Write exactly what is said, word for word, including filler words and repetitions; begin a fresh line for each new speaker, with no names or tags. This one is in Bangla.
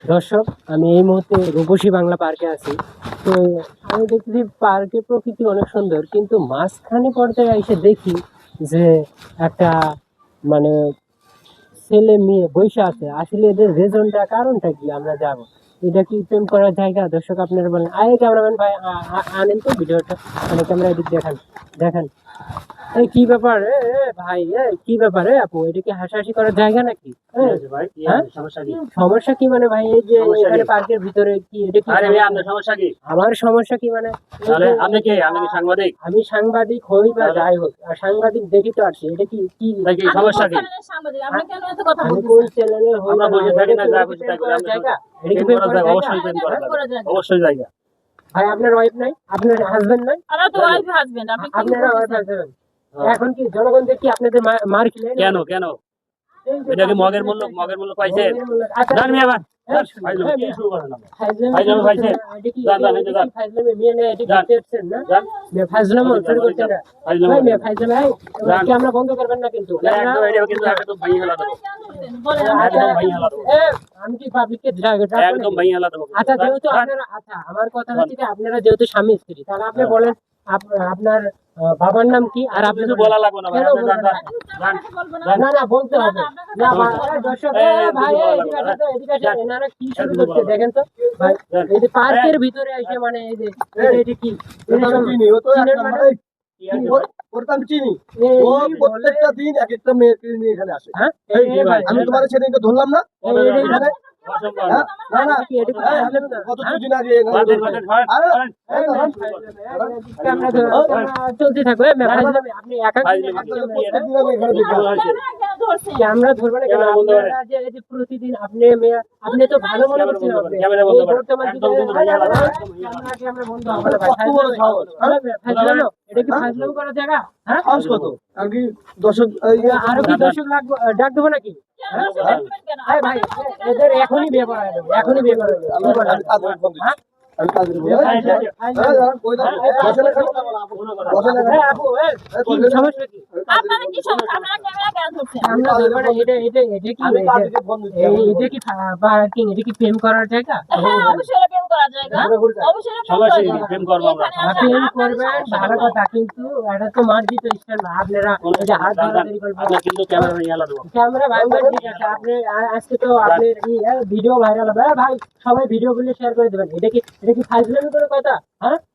দর্শক, আমি এই মুহূর্তে রূপসী বাংলা পার্কে আছি। তো আমি দেখতেছি পার্কের প্রকৃতি অনেক সুন্দর, কিন্তু মাঝখানে পর্যায়ে এসে দেখি যে একটা মানে ছেলে মেয়ে বসে আছে। আসলে এদের রেজনটা কারণটা কি আমরা যাবো। এটা কি প্রেম করার জায়গা? দর্শক আপনারা বলেন। আরে ক্যামেরাম্যান ভাই, আ- আ- আনেন তো ভিডিওটা, মানে ক্যামেরা এদিক দেখান দেখান। এই কি ব্যাপার? এ এ ভাই, এ কি ব্যাপার? এ আপু, এটা কি হাসাহাসি করার জায়গা নাকি? এ, হ্যাঁ? সমস্যা কি মানে ভাই? এই যে
সমস্যা
এখানে
কি?
পার্কের ভিতরে কি এটা কি
আরে ভাই,
সমস্যা?
আপনার সমস্যা কি?
আমার সমস্যা কি মানে? এই
তাহলে
যে
আপনি কি আপনি কি সাংবাদিক?
আমি সাংবাদিক হই বা
তাহলে?
যাই হোক, আর সাংবাদিক দেখি তো আসছি। এটা কি কি
আপনার কি সমস্যা কি?
আমি কোন চ্যানেলে হই
আমরা
বা
বসে
না হই,
থাকি
এটা
না,
কি
যা
এটা কি
খুশি
প্রেম
তাই করি।
করার
আমরা
জায়গা? এটা কি
প্রেম
প্রেম
করা
করার
যায়,
জায়গা?
অবশ্যই প্রেম করা যাবে, অবশ্যই জায়গা।
ভাই, আপনার ওয়াইফ নাই? আপনার হাজবেন্ড নাই?
আমরা তো ওয়াইফ হাজবেন্ড, আপনি কি
আপনারা ওয়াইফ
বলতেছেন?
হাজবেন্ড। এখন কি জনগণ দেখি আপনাদের মা- মার খেলেন?
কেন কেন
এই যে
এটা কি
পাবলিক
মগের
প্লেসে
মূল্য
এসে-
মগের মূল্য পাইছেন?
মগের মূল্য- আচ্ছা,
জান মিয়া ভাই,
এই
জান,
শুনুন,
ফাইজলামি
এই
কি
মিয়া,
শুরু করেন আপনি?
ফাইজলামি
ফাইজলামি
শুরু করছেন
পাইছেন?
না? এটা কি-
যান, যান,
এটা
এই যে
কি
যান।
ফাইজলামি? মেয়ে না, এটা কি
যান।
চেপছেন না?
জান,
মেয়ে ফাইজলামি
ওদিকে
শুরু
যান,
করছেন না?
ফাইজলামি
ভাই, মেয়ে
করেন না।
ফাইজলামি, এই,
যান।
ক্যামেরা বন্ধ করবেন না কিন্তু।
না, একদম এটা কিন্তু একদম ভাই হেলা দেবো।
বলেন,
আচ্ছা,
আমরা
একদম ভাই হেলা দেবো।
এ, আমি কি পাবলিককে ড্রাগ- ড্রাগ
একদম
বানাই?
ভাই হেলা দেবো।
আচ্ছা,
যান,
যেহেতু
যান।
আপনারা, আচ্ছা, আমার কথা হচ্ছে কি, আপনারা যেহেতু স্বামী স্ত্রী, তাহলে আপনি
হ্যাঁ।
বলেন আপ- আপনার আহ, বাবার নাম কি? আর আপনি
কিছু
বলেন।
বলা লাগবে না ভাই,
কেন
আপনি যান,
বলবেন
যান,
না?
যান।
না না, বলতে হবে। না ভাই, এই দর্শক,
এই,
এ,
এই,
ভাই,
কিছু
এই,
বলা
এদিকে
লাগবে
আসেন তো, এদিকে আসেন।
যান।
এনারা কি
এই,
শুরু
কিছু
করছে
বলা
দেখেন তো ভাই।
যান।
এই যে পার্কের ভিতরে এসে মানে এই যে এটা- এটা কি? এটা সব
চিনি ও তো এক
চীনের
নাম্বার,
মানে-
এই, ওর- ওর তো আমি চিনি।
এই
ও
বলে-
প্রত্যেকটা দিন এক একটা মেয়েকে নিয়ে এখানে আসে।
হ্যাঁ?
এই,
এই ভাই,
আমি তোমার সেদিনকে ধরলাম না
এই- এই- এই-
এখানে?
অসম্ভব।
হ্যাঁ? না না,
কি এটা কি?
এই, আমি গত দুদিন আগে এখানে
বাটেন,
ধরলাম।
বাটেন, হয়,
আরে,
হয়।
এই তো, হ্যাঁ।
ক্যামেরা ধরো, ক্যামেরা চলতে থাকবে। আপনি একা
ফাইজলামি
একজন
কি?
মেয়ে না?
প্রত্যেকদিন আমি এখানে দেখি।
ভালো হয়েছে।
ক্যামেরা ধরবে না কেন?
ক্যামেরা বন্ধ করেন।
আপনারা যে এই যে প্রতিদিন আপনি মেয়ে- আপনি তো ভালো মনে
ক্যামেরা
করছেন
বন্ধ
আপনি।
করেন, ক্যামেরা বন্ধ
এই
করেন।
বর্তমান
একদম
যুগে-
কিন্তু ভাইয়া লাগবে,
ক্যামেরা-
একদম ভাইয়া লাগবে।
ক্যামেরা- ক্যামেরা বন্ধ হবে না ভাই।
কত বড় সাহস, হ্যাঁ?
ফাজলামো? এটা কি
হ্যাঁ?
ফাজলামো করার জায়গা? হ্যাঁ?
সাহস কত? আর কি দর্শক, এই,
আরো কি দর্শক লাগবে? ডাক দেবো নাকি? হ্যাঁ? এই ভাই, এদের এখনই বিয়ে করা যাবে, এখনই বিয়ে করা যাবে।
আমি
কি বলেন?
আমি কাজের ফোন দিচ্ছি।
হ্যাঁ?
আমি কাজের ফোন-
এই ভাই,
এই,
এই,
এই, দাঁড়ান, কই দাঁড়ান? বসেন এখানে। বসেন এখানে।
এই আপু, এই,
এই,
কি
বসেন।
সমস্যা কি?
আমি কাজের
আপনারা
ফোন
কি সমস্যা? আপনারা ক্যামেরা কেন ধরছেন?
আমি
আমরা
কাজের
ধরবো না,
ফোন
এটা এটা এটা কি?
আমি
এটা-
কাজের ফোন দিচ্ছি।
এই- এটা কি পা- পার্কিং? এটা কি প্রেম করার জায়গা?
হ্যাঁ, অবশ্যই প্রেম করা জায়গা। অবশ্যই প্রেম
সবাই
করা
সেই
জায়গা।
প্রেম করবো আমরা।
এখানে আসা-
প্রেম
আপনাদের
করবেন
সমস্যা
ভালো
কি?
কথা, কিন্তু এটা তো মার্জিত স্টাইল না। আপনারা এই যে হাত ধরাধরি করবেন।
আপনার কিন্তু ক্যামেরা ভাই হেলা দেবো।
ক্যামেরা ভাইরাল, ঠিক আছে। আপনি আ- আজকে তো আপনার ভিডিও ভাইরাল হবে। এ ভাই, সবাই ভিডিও গুলো শেয়ার করে দেবেন। এটা কি এটা কি ফাইজলামি কোনো কথা? হ্যাঁ?